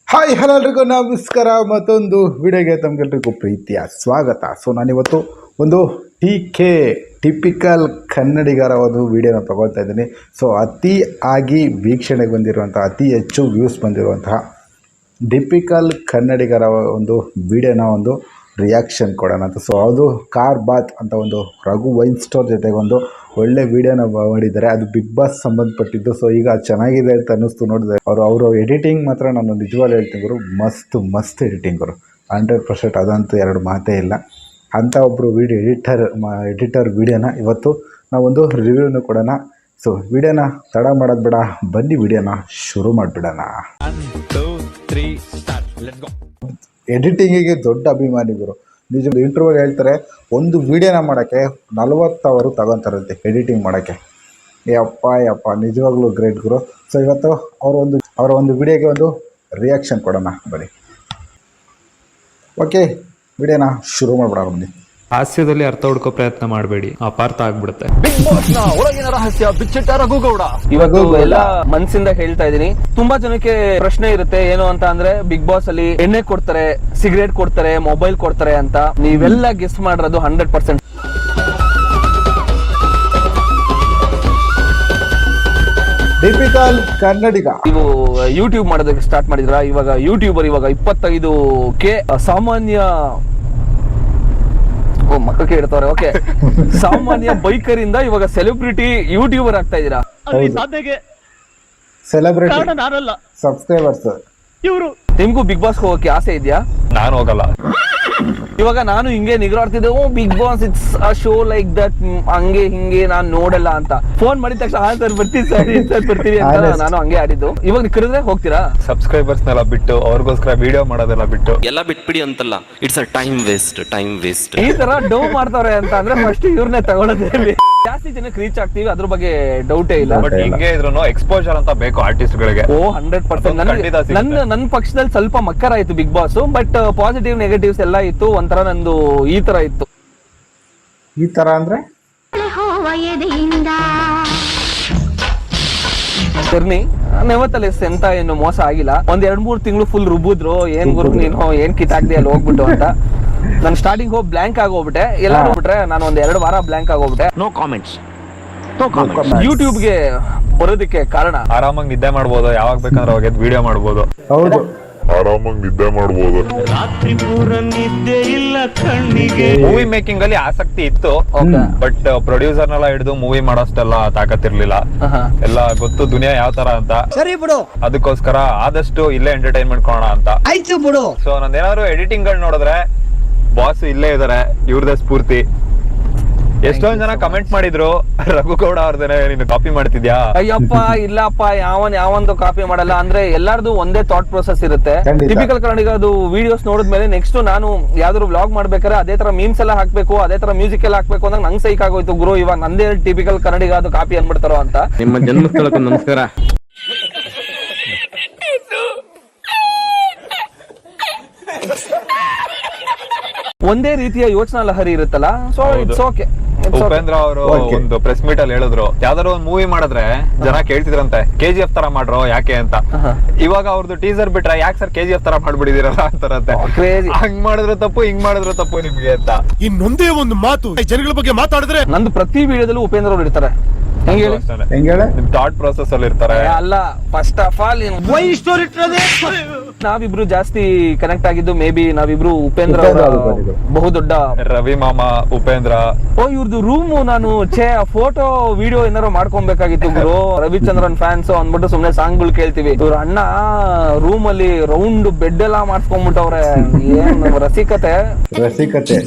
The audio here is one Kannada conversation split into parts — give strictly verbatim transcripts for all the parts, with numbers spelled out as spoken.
ಹಾಯ್ ಹಲೋ ಎಲ್ರಿಗೂ ನಮಸ್ಕಾರ. ಮತ್ತೊಂದು ವಿಡಿಯೋಗೆ ತಮಗೆಲ್ರಿಗೂ ಪ್ರೀತಿಯ ಸ್ವಾಗತ. ಸೊ ನಾನಿವತ್ತು ಒಂದು ಟಿ ಕೆ ಟಿಪಿಕಲ್ ಕನ್ನಡಿಗರ ಒಂದು ವಿಡಿಯೋನ ತೊಗೊಳ್ತಾ ಇದ್ದೀನಿ. ಸೊ ಅತಿ ಆಗಿ ವೀಕ್ಷಣೆಗೆ ಬಂದಿರುವಂಥ, ಅತಿ ಹೆಚ್ಚು ವ್ಯೂಸ್ ಬಂದಿರುವಂತಹ ಟಿಪಿಕಲ್ ಕನ್ನಡಿಗರ ಒಂದು ವಿಡಿಯೋನ ಒಂದು ರಿಯಾಕ್ಷನ್ ಕೊಡೋಣ ಅಂತ. ಸೊ ಅದು ಕಾರ್ ಬಾತ್ ಅಂತ ಒಂದು ರಘು ವೈನ್ ಸ್ಟೋರ್ ಜೊತೆಗೆ ಒಂದು ಒಳ್ಳೆ ವಿಡಿಯೋನ ಮಾಡಿದ್ದಾರೆ. ಅದು ಬಿಗ್ ಬಾಸ್ ಸಂಬಂಧಪಟ್ಟಿದ್ದು. ಸೊ ಈಗ ಚೆನ್ನಾಗಿದೆ ಅಂತ ಅನ್ನಿಸ್ತು ನೋಡಿದೆ. ಅವರು ಅವರು ಎಡಿಟಿಂಗ್ ಮಾತ್ರ ನಾನು ನಿಜವಾಗ್ಲೂ ಹೇಳ್ತೀನಿ ಗುರು, ಮಸ್ತ್ ಮಸ್ತ್ ಎಡಿಟಿಂಗ್ ಗುರು, ಹಂಡ್ರೆಡ್ ಪರ್ಸೆಂಟ್ ಅದಂತೂ ಎರಡು ಮಾತೇ ಇಲ್ಲ. ಅಂಥ ಒಬ್ಬರು ವಿಡಿಯೋ ಎಡಿಟರ್ ಎಡಿಟರ್ ವಿಡಿಯೋನ ಇವತ್ತು ನಾವೊಂದು ರಿವ್ಯೂನು ಕೊಡೋಣ. ಸೊ ವಿಡಿಯೋನ ತಡ ಮಾಡೋದು ಬೇಡ, ಬನ್ನಿ ವಿಡಿಯೋನ ಶುರು ಮಾಡಿಬಿಡೋಣ. ಎಡಿಟಿಂಗಿಗೆ ದೊಡ್ಡ ಅಭಿಮಾನಿ ಗುರು, ನಿಜ. ಇಂಟರ್ವ್ಯೂ ಹೇಳ್ತಾರೆ ಒಂದು ವಿಡಿಯೋನ ಮಾಡೋಕ್ಕೆ ನಲ್ವತ್ತು ಅವರು ತಗೊತಾರಂತೆ ಎಡಿಟಿಂಗ್ ಮಾಡೋಕ್ಕೆ. ಯಪ್ಪ ಯಪ್ಪ ನಿಜವಾಗ್ಲೂ ಗ್ರೇಟ್ ಗುರು. ಸೊ ಇವತ್ತು ಅವರ ಒಂದು ಅವರ ಒಂದು ವಿಡಿಯೋಗೆ ಒಂದು ರಿಯಾಕ್ಷನ್ ಕೊಡೋಣ ಬನ್ನಿ. ಓಕೆ, ವಿಡಿಯೋನ ಶುರು ಮಾಡ್ಬಿಡೋಣ ಬನ್ನಿ. ಹಾಸ್ಯದಲ್ಲಿ ಅರ್ಥ ಹುಡ್ಕೋ ಪ್ರಯತ್ನ ಮಾಡಬೇಡಿ, ಅಪಾರ್ಥ ಆಗ್ಬಿಡುತ್ತೆ. ಬಿಗ್ ಬಾಸ್ ನ ಒಳಗಿನ ರಹಸ್ಯ ಬಿಚ್ಚಿಟ್ಟ ರಘುಗೌಡ ಇವಾಗ ಎಲ್ಲ ಮನ್ಸಿಂದ ಹೇಳ್ತಾ ಇದೀನಿ. ತುಂಬಾ ಜನಕ್ಕೆ ಪ್ರಶ್ನೆ ಇರುತ್ತೆ, ಏನು ಅಂತ ಅಂದ್ರೆ ಬಿಗ್ ಬಾಸ್ ಅಲ್ಲಿ ಎಣ್ಣೆ ಕೊಡ್ತಾರೆ, ಸಿಗರೇಟ್ ಕೊಡ್ತಾರೆ, ಮೊಬೈಲ್ ಕೊಡ್ತಾರೆ ಅಂತ. ನೀವೆಲ್ಲ ಗೆಸ್ ಮಾಡಿರೋದು ಹಂಡ್ರೆಡ್ ಪರ್ಸೆಂಟ್ ಟಿಪಿಕಲ್ ಕನ್ನಡಿಗ. ನೀವು ಯೂಟ್ಯೂಬ್ ಮಾಡೋದಕ್ಕೆ ಸ್ಟಾರ್ಟ್ ಮಾಡಿದ್ರ. ಇವಾಗ ಯೂಟ್ಯೂಬರ್ ಇವಾಗ ಇಪ್ಪತ್ತೈದು ಕೆ ಸಾಮಾನ್ಯ ಮಕ್ಕಳಿಗೆ ಇಡ್ತಾರೆ. ಓಕೆ, ಸಾಮಾನ್ಯ ಬೈಕರ್ ಇಂದ ಇವಾಗ ಸೆಲೆಬ್ರಿಟಿ ಯೂಟ್ಯೂಬರ್ ಆಗ್ತಾ ಇದೀರಾ. ಸೆಲೆಬ್ರಿಟಿ ಸಬ್ಸ್ಕ್ರೈಬರ್ಸ್ ಇವರು. ನಿಮ್ಗೂ ಬಿಗ್ ಬಾಸ್ ಹೋಗಕ್ಕೆ ಆಸೆ ಇದೆಯಾ? ನಾನು ಹೋಗಲ್ಲ. ಇವಾಗ ನಾನು ಹಿಂಗೆ ನಿಗ್ರಾಡ್ತಿದ್ದೆ, oh Bigg Boss it's a show like that, ಹಂಗೆ ಹಿಂಗೆ ನಾನು ನೋಡಲ್ಲ ಅಂತ. ಫೋನ್ ಮಾಡಿದ ತಕ್ಷಣ ಹಾ ಸರ್ ಬರ್ತೀನಿ ಸರ್ ಸರ್ ಬರ್ತೀವಿ ಅಂತ ನಾನು ಹಂಗೆ ಆಡಿದ್ದು. ಇವಾಗ ನೀವು ಕರೆದ್ರೆ ಹೋಗ್ತೀರಾ? ಸಬ್ಸ್ಕ್ರೈಬರ್ಸ್ನೆಲ್ಲ ಬಿಟ್ಟು ಅವ್ರಿಗೋಸ್ಕರ ವಿಡಿಯೋ ಮಾಡೋದೆಲ್ಲ ಬಿಟ್ಟು ಎಲ್ಲ ಬಿಟ್ಬಿಡಿ ಅಂತಲ್ಲ, it's a time waste time waste ಈ ತರ ಡೌ ಮಾಡ್ತಾವ್ರೆ ಅಂತ ಅಂದ್ರೆ ಫಸ್ಟ್ ಇವ್ರನ್ನೇ ತಗೊಳ್ಳೋದೇ. ಜಾಸ್ತಿ ಜನಕ್ಕೆ ರೀಚ್ ಆಗ್ತೀವಿ, ಅದ್ರ ಬಗ್ಗೆ ಡೌಟೇ ಇಲ್ಲ. ಬಟ್ ಹಿಂಗೆ ಇದ್ರು ಎಕ್ಸ್ಪೋಜರ್ ಅಂತ ಬೇಕು ಆರ್ಟಿಸ್ಟ್ ಗಳಿಗೆ. Oh hundred percent. ನನ್ನ ನನ್ನ ಪಕ್ಷದಲ್ಲಿ ಸ್ವಲ್ಪ ಮಕ್ಕರ ಆಯ್ತು Bigg Boss, but positive negatives ಎಲ್ಲ ಇತ್ತು. ಒಂಥರ ನಂದು ಈ ತರ ಇತ್ತು. ಈ ತರ ಅಂದ್ರೆ ಜರ್ನಿ ನೆವತ್ತಲ್ಲಿ ಎಂತ ಏನು ಮೋಸ ಆಗಿಲ್ಲ. ಒಂದ್ ಎರಡ್ ಮೂರ್ ತಿಂಗಳು ಫುಲ್ ರುಬ್ಬಿದ್ರು, ಏನ್ ಗುರು ನೀನು ಏನ್ ಕಿತ್ತಾಗ್ದಿ ಅಲ್ಲಿ ಹೋಗ್ಬಿಟ್ಟು ಅಂತ. ನಾನು ಸ್ಟಾರ್ಟಿಂಗ್ ಹೋಗಿ ಬ್ಲಾಂಕ್ ಆಗೋಗ್ಬಿಟ್ಟೆ. ಎಲ್ಲ ಹೋಗ್ಬಿಟ್ರೆ ನಾನು ಒಂದ್ ಎರಡು ವಾರ ಬ್ಲಾಂಕ್ ಆಗೋಗ್ಬಿಟ್ಟೆ. No comments. ಯೂಟ್ಯೂಬ್ಗೆ ಬರೋದಕ್ಕೆ ಕಾರಣ ಆರಾಮಾಗಿ ನಿದ್ದೆ ಮಾಡ್ಬೋದು, ಯಾವಾಗ ಬೇಕಂದ್ರೆ ಅವಾಗ ವಿಡಿಯೋ ಮಾಡ್ಬೋದು. ಹೌದು, ಆರಾಮಾಗಿ ನಿದ್ದೆ ಮಾಡಬಹುದು. ರಾತ್ರಿ ಪೂರ ನಿದ್ದೆ ಇಲ್ಲ ಕಣ್ಣಿಗೆ. ಮೂವಿ ಮೇಕಿಂಗ್ ಅಲ್ಲಿ ಆಸಕ್ತಿ ಇತ್ತು, ಬಟ್ ಪ್ರೊಡ್ಯೂಸರ್ ನೆಲ್ಲ ಹಿಡಿದು ಮೂವಿ ಮಾಡೋಷ್ಟೆಲ್ಲ ತಾಕತ್ತಿರ್ಲಿಲ್ಲ. ಎಲ್ಲ ಗೊತ್ತು ದುನಿಯಾ ಯಾವ ತರ ಅಂತ. ಸರಿ ಬಿಡು, ಅದಕ್ಕೋಸ್ಕರ ಆದಷ್ಟು ಇಲ್ಲೇ ಎಂಟರ್ಟೈನ್ಮೆಂಟ್ ಕೊಡೋಣ ಅಂತ. ಆಯ್ತು ಬಿಡು. ಸೊ ನಂದೇನಾದ್ರು ಎಡಿಟಿಂಗ್ ಗಳು ನೋಡಿದ್ರೆ ಬಾಸ್ ಇಲ್ಲೇ ಇದಾರೆ, ಇವ್ರದೇ ಸ್ಫೂರ್ತಿ. ಎಷ್ಟೊಂದ್ ಜನ ಕಮೆಂಟ್ ಮಾಡಿದ್ರು, ರಘುಗೌಡ ಅವ್ರದೇನೆ ನೀನು ಕಾಪಿ ಮಾಡ್ತಿದ್ಯಾ? ಅಯ್ಯಪ್ಪ ಇಲ್ಲಪ್ಪ, ಯಾವನ್ ಯಾವಂದು ಕಾಪಿ ಮಾಡಲ್ಲ. ಅಂದ್ರೆ ಎಲ್ಲಾರ್ದು ಒಂದೇ ಥಾಟ್ ಪ್ರೊಸೆಸ್ ಇರುತ್ತೆ. ಟಿಪಿಕಲ್ ಕನ್ನಡಿಗ ಅದು ವಿಡಿಯೋಸ್ ನೋಡಿದ್ಮೇಲೆ ನೆಕ್ಸ್ಟ್ ನಾನು ಯಾವ್ದಾದ್ರು ವ್ಲಾಗ್ ಮಾಡ್ಬೇಕಾದ್ರೆ ಅದೇ ತರ ಮೀಮ್ಸ್ ಎಲ್ಲ ಹಾಕ್ಬೇಕು, ಅದೇ ತರ ಮ್ಯೂಸಿಕ್ ಎಲ್ಲ ಹಾಕ್ಬೇಕು ಅಂದ್ರೆ ನಂಗೆ ಸೈಕ್ ಆಗೋಯ್ತು ಗುರು. ಇವಾಗ ನಂದೇ ಟಿಪಿಕಲ್ ಕನ್ನಡಿಗ ಅದು ಕಾಪಿ ಅನ್ಬಿಡ್ತಾರೋ ಅಂತ. ನಿಮ್ಮ ಜನ್ಮಸ್ಥಳಕ್ಕೂ ನಮಸ್ಕಾರ. ಒಂದೇ ರೀತಿಯ ಯೋಚನಾ ಲಹರಿ ಇರುತ್ತಲ್ಲ, ಸೊ ಇಟ್ಸ್ ಓಕೆ. ಉಪೇಂದ್ರ ಅವರು ಒಂದು ಪ್ರೆಸ್ ಮೀಟ್ ಅಲ್ಲಿ ಹೇಳಿದ್ರು, ಯಾವ್ದಾದ್ರು ಒಂದು ಮೂವಿ ಮಾಡಿದ್ರೆ ಜನ ಕೇಳ್ತಿದ್ರಂತೆ ಕೆ ಜಿ ಎಫ್ ತರ ಮಾಡ್ರೋ ಯಾಕೆ ಅಂತ. ಇವಾಗ ಅವ್ರದ್ದು ಟೀಸರ್ ಬಿಟ್ರೆ ಯಾಕೆ ಸರ್ ಕೆ ಜಿ ಎಫ್ ತರ ಮಾಡ್ಬಿಡಿದಿರಲ್ಲ ಅಂತಾರಂತೆ. ಹಂಗ್ ಮಾಡಿದ್ರು ತಪ್ಪು, ಹಿಂಗ್ ಮಾಡಿದ್ರು ತಪ್ಪು ನಿಮ್ಗೆ ಅಂತ. ಇನ್ನೊಂದೇ ಒಂದು ಮಾತು ಜನಗಳ ಬಗ್ಗೆ ಮಾತಾಡಿದ್ರೆ ನಂದು ಪ್ರತಿ ವಿಡಿಯೋದಲ್ಲೂ ಉಪೇಂದ್ರ ಅವ್ರು ಇರ್ತಾರೆ. ನಿಮ್ ಥಾಟ್ ಪ್ರೊಸೆಸ್ ಅಲ್ಲಿ ಇರ್ತಾರೆ. ಅಲ್ಲ, ಫಸ್ಟ್ ಆಫ್ ಆಲ್ ನಾವಿಬ್ರು ಜಾಸ್ತಿ ಕನೆಕ್ಟ್ ಆಗಿದ್ದು ಮೇ ಬಿ ನಾವಿಬ್ರು ಉಪೇಂದ್ರ ಬಹುದೊಡ್ಡ ರವಿ ಮಾಮ ಉಪೇಂದ್ರ. ಓ ಇವ್ರದ್ದು ರೂಮ್ ನಾನು ಛೇ ಫೋಟೋ ವಿಡಿಯೋ ಏನಾರು ಮಾಡ್ಕೊಬೇಕಾಗಿತ್ತು ಗುರು. ರವಿಚಂದ್ರನ್ ಫ್ಯಾನ್ಸ್ ಅಂದ್ಬಿಟ್ಟು ಸುಮ್ನೆ ಸಾಂಗ್ ಗಳು ಕೇಳ್ತೀವಿ. ಇವ್ರ ಅಣ್ಣ ರೂಮ್ ಅಲ್ಲಿ ರೌಂಡ್ ಬೆಡ್ ಎಲ್ಲಾ ಮಾಡ್ಸ್ಕೊಂಡ್ಬಿಟ್ಟವ್ರೆ. ಏನ್ ರಸಿಕತೆ ರಸಿಕತೆ.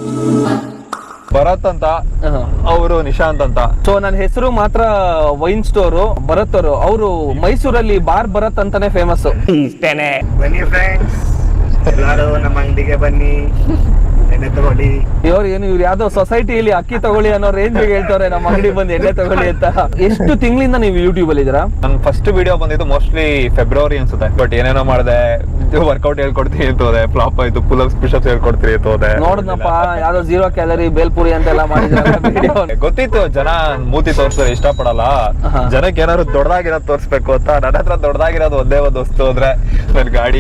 ಭರತ್ ಅಂತ, ಅವರು ನಿಶಾಂತ್ ಅಂತ. ಸೊ ನನ್ನ ಹೆಸರು ಮಾತ್ರ ವೈನ್ ಸ್ಟೋರು ಭರತ್ ಅವರು. ಅವರು ಮೈಸೂರಲ್ಲಿ ಬಾರ್ ಭರತ್ ಅಂತಾನೆ ಫೇಮಸ್. ಇಷ್ಟೇನೆ. ಬನ್ನಿ ಫ್ರೆಂಡ್ಸ್, ಎಲ್ಲರೂ ನಮ್ಮ ಅಂಗಡಿಗೆ ಬನ್ನಿ. ಎಣ್ಣೆ ತಗೊಳ್ಳಿ. ಇವ್ರು ಏನು ಇವ್ರು ಯಾವ್ದೋ ಸೊಸೈಟಿಯಲ್ಲಿ ಅಕ್ಕಿ ತಗೊಳ್ಳಿ ಅನ್ನೋ ರೇಂಜ್ ಹೇಳ್ತಾರೆ ನಮ್ಮ ಅಂಗಡಿ ಬಂದು ಎಣ್ಣೆ ತಗೊಳ್ಳಿ ಅಂತ. ಎಷ್ಟು ತಿಂಗಳಿಂದ ನೀವು ಯೂಟ್ಯೂಬ್ ಅಲ್ಲಿ ಇದೀರಾ? ನನ್ನ ಫಸ್ಟ್ ವಿಡಿಯೋ ಬಂದಿದ್ದು ಮೋಸ್ಟ್ಲಿ ಫೆಬ್ರವರಿ ಅನ್ಸುತ್ತೆ. ಬಟ್ ಏನೇನೋ ಮಾಡಿದೆ, ವರ್ಕೌಟ್ ಹೇಳ್ಕೊಡ್ತೀನಿ ಅಂತ ಹೋದೆ, ಫ್ಲಾಪ್ ಆಯ್ತು. ಪುಲ್ ಅಪ್ಸ್ ಪುಶ್ ಅಪ್ಸ್ ಹೇಳ್ಕೊಡ್ತೀನಿ ಅಂತ ಹೋದೆ. ನೋಡಿದ್ನಪ್ಪ ಯಾವ್ದೋ ಜೀರೋ ಕ್ಯಾಲರಿ ಬೇಲ್ಪುರಿ ಅಂತೆಲ್ಲ ಮಾಡಿದ್ರೆ ಗೊತ್ತಿತ್ತು ಜನ ಮೂತಿ ತೋರ್ಸ್ತಾರೆ ಇಷ್ಟ ಪಡಲ್ಲ, ಜನಕ್ಕೆ ಏನಾದ್ರು ದೊಡ್ಡದಾಗಿರೋದು ತೋರ್ಸ್ಬೇಕು ಅಂತ. ನನ್ನ ಹತ್ರ ದೊಡ್ಡದಾಗಿರೋದು ಒಂದೇ ಒಂದು ವಸ್ತು ಅಂದ್ರೆ ನನ್ ಗಾಡಿ.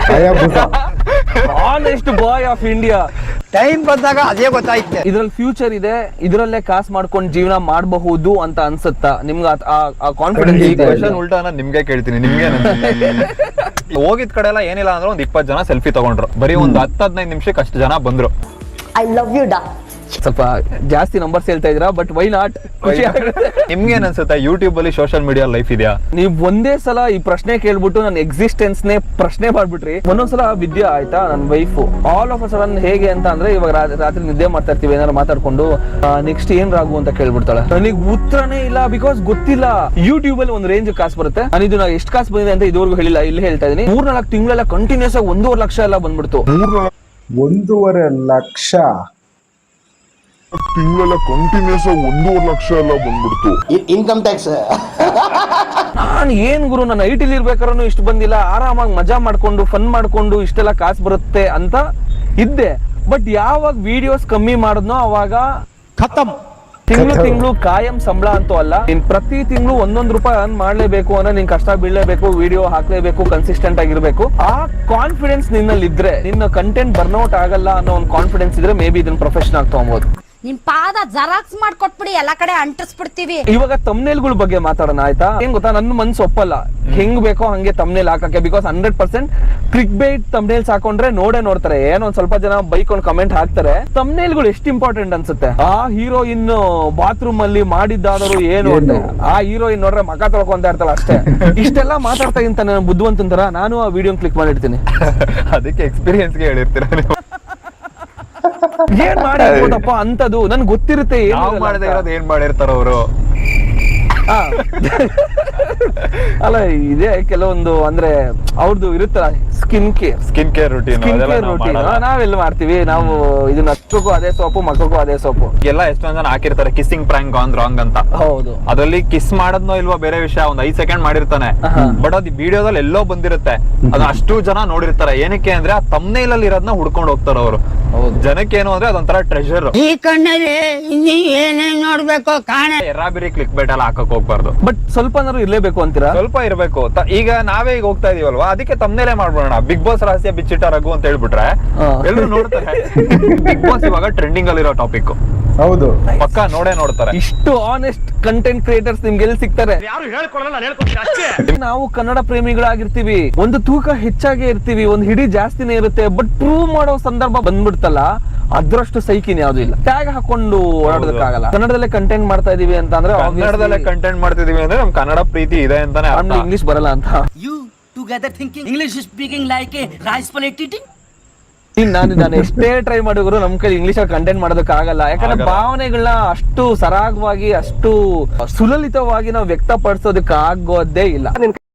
Honest boy of India. Time ಬಂದಾಗ ಅದೇ ಗೊತ್ತಾಯ್ತು. ಇದ್ರಲ್ಲಿ ಫ್ಯೂಚರ್ ಇದೆ, ಇದ್ರಲ್ಲೇ ಕಾಸು ಮಾಡ್ಕೊಂಡು ಜೀವನ ಮಾಡಬಹುದು ಅಂತ ಅನ್ಸುತ್ತಾ ನಿಮ್ಗೆ? ಆ ಕಾನ್ಫಿಡೆನ್ಸ್ ಈ ಕ್ವೆಶ್ಚನ್ ಉಲ್ಟಾ ನಾನು ನಿಮ್ಗೆ ಕೇಳ್ತೀನಿ, ನಿಮ್ಗೆ ಹೋಗಿದ್ ಕಡೆ ಎಲ್ಲ ಏನಿಲ್ಲ ಅಂದ್ರೆ ಒಂದ್ ಇಪ್ಪತ್ತು ಜನ ಸೆಲ್ಫಿ ತಗೊಂಡ್ರು. ಬರೀ ಒಂದ್ ಹತ್ತು ಹದಿನೈದು ನಿಮಿಷಕ್ಕೆ ಅಷ್ಟು ಜನ ಬಂದ್ರು. ಐ ಲವ್ ಯು ಡಾ. ಸ್ವಲ್ಪ ಜಾಸ್ತಿ ನಂಬರ್ಸ್ ಹೇಳ್ತಾ ಇದ್ದೀರಾ, ಬಟ್ ವೈ ನಾಟ್? ಖುಷಿ ಆಗುತ್ತೆ. ನಿಮ್ಗೆ ಏನ್ ಅನ್ಸುತ್ತೆ ಯೂಟ್ಯೂಬ್ ಅಲ್ಲಿ ಸೋಷಿಯಲ್ ಮೀಡಿಯಾ ಲೈಫ್ ಇದೆಯಾ? ನೀವ್ ಒಂದೇ ಸಲ ಈ ಪ್ರಶ್ನೆ ಕೇಳ್ಬಿಟ್ಟು ನನ್ನ ಎಕ್ಸಿಸ್ಟೆನ್ಸ್ ನೇ ಪ್ರಶ್ನೆ ಮಾಡ್ಬಿಟ್ರಿ. ಒಂದೊಂದ್ಸಲ ವಿದ್ಯಾ ಆಯ್ತಾ ನನ್ನ wife all of a sudden ಹೇಗೆ ಅಂತ ಅಂದ್ರೆ ಇವಾಗ ರಾತ್ರಿ ನಿದ್ದೆ ಮಾಡ್ತಾ ಇರ್ತೀವಿ ಏನಾದ್ರು ಮಾತಾಡ್ಕೊಂಡು ನೆಕ್ಸ್ಟ್ ಏನ್ ರಾಗು ಅಂತ ಕೇಳ್ಬಿಡ್ತಾಳೆ. ನನಗೆ ಉತ್ತರನೇ ಇಲ್ಲ, ಬಿಕಾಸ್ ಗೊತ್ತಿಲ್ಲ. ಯೂಟ್ಯೂಬ್ ಅಲ್ಲಿ ಒಂದು ರೇಂಜ್ ಕಾಸು ಬರುತ್ತೆ. ನಾನು ಇದು ಎಷ್ಟು ಕಾಸು ಬಂದಿದೆ ಅಂತ ಇದುವರೆಗೂ ಹೇಳಿಲ್ಲ, ಇಲ್ಲಿ ಹೇಳ್ತಾ ಇದೀನಿ. ಮೂರ್ನಾಲ್ಕು ತಿಂಗಳೆಲ್ಲ ಕಂಟಿನ್ಯೂಸ್ ಆಗಿ ಒಂದೂವರೆ ಲಕ್ಷ ಎಲ್ಲ ಬಂದ್ಬಿಡ್ತು. ಒಂದೂವರೆ ಲಕ್ಷ ತಿಂಗಳೆಲ್ಲ ಕಂಟಿನ್ಯೂಸ್ ಆಗಿ ಒಂದೂವರೆ ಲಕ್ಷ ಎಲ್ಲ ಬಂದ್ಬಿಡ್ತು. Income tax. ನಾನು ಏನ್ ಗುರು, ನನ್ನ ಐ ಟಿಲಿ ಇರ್ಬೇಕಾದ್ರೂ ಇಷ್ಟು ಬಂದಿಲ್ಲ, ಆರಾಮಾಗಿ ಮಜಾ ಮಾಡ್ಕೊಂಡು ಫನ್ ಮಾಡ್ಕೊಂಡು ಇಷ್ಟೆಲ್ಲ ಕಾಸು ಬರುತ್ತೆ ಅಂತ ಇದ್ದೆ. ಬಟ್ ಯಾವಾಗ ವಿಡಿಯೋಸ್ ಕಮ್ಮಿ ಮಾಡಿದ್ನೋ ಅವಾಗ ಖತಮ್. ತಿಂಗಳು ತಿಂಗಳು ಕಾಯಂ ಸಂಬಳ ಅಂತೂ ಅಲ್ಲ, ನೀನ್ ಪ್ರತಿ ತಿಂಗಳು ಒಂದೊಂದು ರೂಪಾಯಿ ಅರ್ನ್ ಮಾಡ್ಲೇಬೇಕು ಅಂದ್ರೆ ನೀನ್ ಕಷ್ಟ ಬೀಳಲೇಬೇಕು, ವಿಡಿಯೋ ಹಾಕ್ಲೇಬೇಕು, ಕನ್ಸಿಸ್ಟೆಂಟ್ ಆಗಿರ್ಬೇಕು. ಆ ಕಾನ್ಫಿಡೆನ್ಸ್ ನಿನ್ನಲ್ಲಿ ಇದ್ರೆ, ನಿನ್ನ ಕಂಟೆಂಟ್ ಬರ್ನೌಟ್ ಆಗಲ್ಲ ಅನ್ನೋ ಒಂದು ಕಾನ್ಫಿಡೆನ್ಸ್ ಇದ್ರೆ ಮೇ ಬಿ ಇದನ್ನ ಪ್ರೊಫೆಷನ್ ಆಗಿ ತಗೊಬಹುದು. ನಿಮ್ ಪಾದ ಜೆರಾಕ್ಸ್ ಮಾಡ್ಕೊಟ್ಬಿಡಿ, ಎಲ್ಲಾ ಕಡೆ ಅಂಟಿಸ್ಬಿಡ್ತೀವಿ. ಇವಾಗ ತಮ್ನೇಲ್ಗಳ ಬಗ್ಗೆ ಮಾತಾಡೋಣ ಆಯ್ತಾ? ಏನ್ ಗೊತ್ತಾ, ನನ್ನ ಮನ್ಸು ಒಪ್ಪಲ್ಲ ಹೆಂಗ್ ಬೇಕೋ ಹಂಗೆ ತಮ್ನೇಲ್ ಹಾಕಕ್ಕೆ. Because hundred percent click bait thumbnails ಹಾಕೊಂಡ್ರೆ ನೋಡೇ ನೋಡ್ತಾರೆ. ಏನೋ ಒಂದ್ ಸ್ವಲ್ಪ ಜನ ಬೈಕ್ ಒಂದು ಕಮೆಂಟ್ ಹಾಕ್ತಾರೆ. ತಮ್ನೇಲ್ಗಳು ಎಷ್ಟು ಇಂಪಾರ್ಟೆಂಟ್ ಅನ್ಸುತ್ತೆ. ಆ ಹೀರೋಯಿನ್ ಬಾತ್ರೂಮ್ ಅಲ್ಲಿ ಮಾಡಿದ್ದಾದರೂ ಏನು ಅಂದ್ರೆ ಆ ಹೀರೋಯಿನ್ ನೋಡ್ರೆ ಮಕ ತೊಳ್ಕೊಂತ ಇರ್ತಾಳ ಅಷ್ಟೇ. ಇಷ್ಟೆಲ್ಲ ಮಾತಾಡ್ತಾ ಇಂತ ನಾನು ಬುದ್ಧಿವಂತನ ತರ ನಾನು ಆ ವಿಡಿಯೋ ಕ್ಲಿಕ್ ಮಾಡಿರ್ತೀನಿ. ಅದಕ್ಕೆ ಎಕ್ಸ್ಪೀರಿಯನ್ಸ್ ಗೆ ಹೇಳಿರ್ತೀರ ನೀವು. ಏನ್ ಮಾಡಿರ್ಬೋದಪ್ಪ ಅಂತದು ನನ್ಗೆ ಗೊತ್ತಿರುತ್ತೆ. ನಾವು ಮಾಡದೇ ಇರೋದು ಏನ್ ಮಾಡಿರ್ತಾರ ಅವರು. ಅಲ್ಲ ಇದೇ ಕೆಲವೊಂದು ಅಂದ್ರೆ ಅವ್ರದ್ದು ಇರುತ್ತಲ್ಲ skin care skin care routine routine ನಾವೆಲ್ಲ ಮಾಡ್ತೀವಿ. ನಾವು ಇದನ್ನ ಹಚ್ಚಕ್ಕೂ ಅದೇ ಸೋಪು, ಮಕ್ಕಕ್ಕೂ ಅದೇ ಸೋಪು. ಎಲ್ಲ ಎಷ್ಟೊಂದ್ ಜನ ಹಾಕಿರ್ತಾರೆ ಕಿಸ್ಸಿಂಗ್ ಪ್ರಾಂಕ್ ಗಾನ್ ರಾಂಗ್ ಅಂತ. ಹೌದು, ಅದ್ರಲ್ಲಿ ಕಿಸ್ ಮಾಡೋದ್ನೋ ಇಲ್ವೋ ಬೇರೆ ವಿಷಯ, ಒಂದ್ ಐದ್ ಸೆಕೆಂಡ್ ಮಾಡಿರ್ತಾನೆ. ಬಟ್ ಅದು ವಿಡಿಯೋದಲ್ಲಿ ಎಲ್ಲೋ ಬಂದಿರುತ್ತೆ, ಅದು ಅಷ್ಟು ಜನ ನೋಡಿರ್ತಾರೆ. ಏನಕ್ಕೆ ಅಂದ್ರೆ ಆ ತಮ್ನೇಲ್ ಅಲ್ಲಿ ಇರೋದನ್ನ ಹುಡ್ಕೊಂಡು ಹೋಗ್ತಾರ ಅವರು. ಜನಕ್ಕೆ ಏನು ಅಂದ್ರೆ ಅದೊಂಥರ ಟ್ರೆಷರ್. ಈ ಕಣ್ಣಲ್ಲಿ ಏನೇನ್ ನೋಡ್ಬೇಕು ಕಾಣ. ಎರಾಬಿರಿ ಕ್ಲಿಕ್ ಬೈಟ್ ಎಲ್ಲ ಹಾಕಕ್ ಹೋಗ್ಬಾರ್ದು. ಬಟ್ ಸ್ವಲ್ಪನಾದ್ರು ಇರ್ಲೇಬೇಕು ಅಂತೀರಾ? ಸ್ವಲ್ಪ ಇರ್ಬೇಕು. ಈಗ ನಾವೇ ಈಗ ಹೋಗ್ತಾ ಇದೀವಲ್ವಾ, ಅದಕ್ಕೆ ತಮ್ನೇಲೆ ಮಾಡ್ಬೋಣ. ಬಿಗ್ ಬಾಸ್ ರಹಸ್ಯ ಬಿಚ್ಚಿಟ್ಟ ರಘು ಅಂತ ಹೇಳ್ಬಿಟ್ರೆ ಎಲ್ಲರೂ ನೋಡ್ತಾರೆ. ಬಿಗ್ ಬಾಸ್ ಇವಾಗ ಟ್ರೆಂಡಿಂಗ್ ಅಲ್ಲಿರೋ ಟಾಪಿಕ್. ಹೌದು, ಪಕ್ಕ ನೋಡೇ ನೋಡ್ತಾರೆ. ಇಷ್ಟು ಆನೆಸ್ಟ್ ಕಂಟೆಂಟ್ ಕ್ರಿಯೇಟರ್ಸ್ ನಿಮ್ಗೆ ಎಲ್ಲಿ ಸಿಗ್ತಾರೆ? ನಾವು ಕನ್ನಡ ಪ್ರೇಮಿಗಳಾಗಿರ್ತೀವಿ, ಒಂದು ತೂಕ ಹೆಚ್ಚಾಗಿ ಇರ್ತೀವಿ, ಒಂದು ಹಿಡಿ ಜಾಸ್ತಿನೇ ಇರುತ್ತೆ. ಬಟ್ ಪ್ರೂವ್ ಮಾಡೋ ಸಂದರ್ಭ ಬಂದ್ಬಿಡ್ತಲ್ಲ, ಅದ್ರಷ್ಟು ಸೈಕಿನ್ ಯಾವ್ದು ಇಲ್ಲ. ಟ್ಯಾಗ್ ಹಾಕೊಂಡು ಓಡಾಡೋದಕ್ಕಾಗಲ್ಲ. ಕನ್ನಡದಲ್ಲೇ ಕಂಟೆಂಟ್ ಮಾಡ್ತಾ ಇದೀವಿ ಅಂತ ಅಂದ್ರೆ, ಕನ್ನಡದಲ್ಲೇ ಕಂಟೆಂಟ್ ಮಾಡ್ತಿದೀವಿ ಅಂದ್ರೆ ನಮ್ ಕನ್ನಡ ಪ್ರೀತಿ ಇದೆ ಅಂತಾನೆ. ಇಂಗ್ಲಿಷ್ ಬರಲ್ಲ ಅಂತ. You together thinking English speaking like a rice plate eating. ನಾನು ನಾನು ಎಷ್ಟೇ ಟ್ರೈ ಮಾಡಿದ್ರು ನಮ್ ಕೈ ಇಂಗ್ಲಿಷ್ ಅಲ್ಲಿ ಕಂಟೆಂಟ್ ಮಾಡೋದಕ್ಕೆ ಆಗಲ್ಲ. ಯಾಕಂದ್ರೆ ಭಾವನೆಗಳನ್ನ ಅಷ್ಟು ಸರಾಗವಾಗಿ, ಅಷ್ಟು ಸುಲಲಿತವಾಗಿ ನಾವು ವ್ಯಕ್ತಪಡಿಸೋದಕ್ಕೆ ಆಗೋದೇ ಇಲ್ಲ.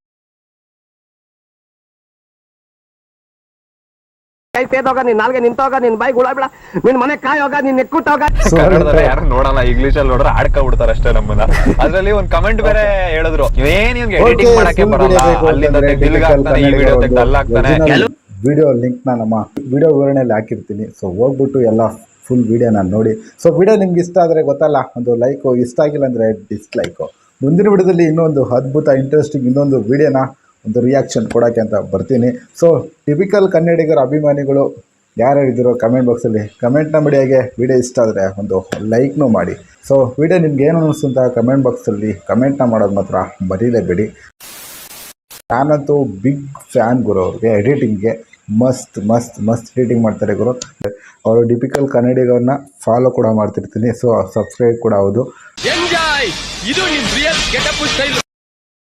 ಕೈ ತೇದೋಗ, ನಿನ್ ನಾಲ್ಗೆ ನಿಂತೋಗ, ನಿನ್ ಬಾಯಿ ಗುಳಾಬಿಡ, ನಿನ್ ಮನೆ ಕಾಯೋಗ, ನಿನ್ ನೆಕ್ಕುಟ್ಟೋಗ. ಕನ್ನಡದಲ್ಲಿ ಯಾರು ನೋಡಲ್ಲ, ಇಂಗ್ಲಿಷ್ ಅಲ್ಲಿ ನೋಡ್ರೆ ಆಡ್ಕ ಬಿಡ್ತಾರೆ ಅಷ್ಟೇ ನಮ್ಮನ್ನ. ಅದ್ರಲ್ಲಿ ಒಂದ್ ಕಮೆಂಟ್ ಬೇರೆ ಹೇಳಿದ್ರು, ಏನ್ ಇವ್ಗೆ ಎಡಿಟಿಂಗ್ ಮಾಡಕ್ಕೆ ಬರಲ್ಲ, ಅಲ್ಲಿಂದ ತೆಗ್ದಿಲ್ಗ ಆಗ್ತಾನೆ, ಈ ವಿಡಿಯೋ ತೆಗ್ದು ಅಲ್ಲ ಆಗ್ತಾನೆ. ವಿಡಿಯೋ ಲಿಂಕ್ ನ ನಮ್ಮ ವಿಡಿಯೋ ವಿವರಣೆಯಲ್ಲಿ ಹಾಕಿರ್ತೀನಿ. ಸೊ ಹೋಗ್ಬಿಟ್ಟು ಎಲ್ಲ ಫುಲ್ ವಿಡಿಯೋ ನಾನು ನೋಡಿ. ಸೊ ವಿಡಿಯೋ ನಿಮ್ಗೆ ಇಷ್ಟ ಆದರೆ ಗೊತ್ತಲ್ಲ, ಒಂದು ಲೈಕು, ಇಷ್ಟ ಆಗಿಲ್ಲ ಅಂದರೆ ಡಿಸ್ಲೈಕು. ಮುಂದಿನ ವಿಡಿಯೋದಲ್ಲಿ ಇನ್ನೊಂದು ಅದ್ಭುತ ಇಂಟ್ರೆಸ್ಟಿಂಗ್ ಇನ್ನೊಂದು ವಿಡಿಯೋನ ಒಂದು ರಿಯಾಕ್ಷನ್ ಕೊಡೋಕ್ಕೆ ಅಂತ ಬರ್ತೀನಿ. ಸೊ ಟಿಪಿಕಲ್ ಕನ್ನಡಿಗರ ಅಭಿಮಾನಿಗಳು ಯಾರ್ಯಾರು ಇದ್ದೀರೋ ಕಮೆಂಟ್ ಬಾಕ್ಸಲ್ಲಿ ಕಮೆಂಟ್ನ ಮಾಡಿ. ಹಾಗೆ ವಿಡಿಯೋ ಇಷ್ಟ ಆದರೆ ಒಂದು ಲೈಕ್ನೂ ಮಾಡಿ. ಸೊ ವಿಡಿಯೋ ನಿಮ್ಗೆ ಏನು ಅನ್ನಿಸ್ತು ಅಂತ ಕಮೆಂಟ್ ಬಾಕ್ಸಲ್ಲಿ ಕಮೆಂಟ್ನ ಮಾಡೋದು ಮಾತ್ರ ಮರೀಲೇಬೇಡಿ. ನಾನಂತೂ ಬಿಗ್ ಫ್ಯಾನ್ ಗುರು ಅವ್ರಿಗೆ. ಎಡಿಟಿಂಗ್ಗೆ ಮಸ್ತ್ ಮಸ್ತ್ ಮಸ್ತ್ ಎಡಿಟಿಂಗ್ ಮಾಡ್ತಾರೆ ಗುರು ಅವರು. ಟಿಪಿಕಲ್ ಕನ್ನಡಿಗರನ್ನ ಫಾಲೋ ಕೂಡ ಮಾಡ್ತಿರ್ತೀನಿ. ಸೊ ಸಬ್ಸ್ಕ್ರೈಬ್ ಕೂಡ ಹೌದು.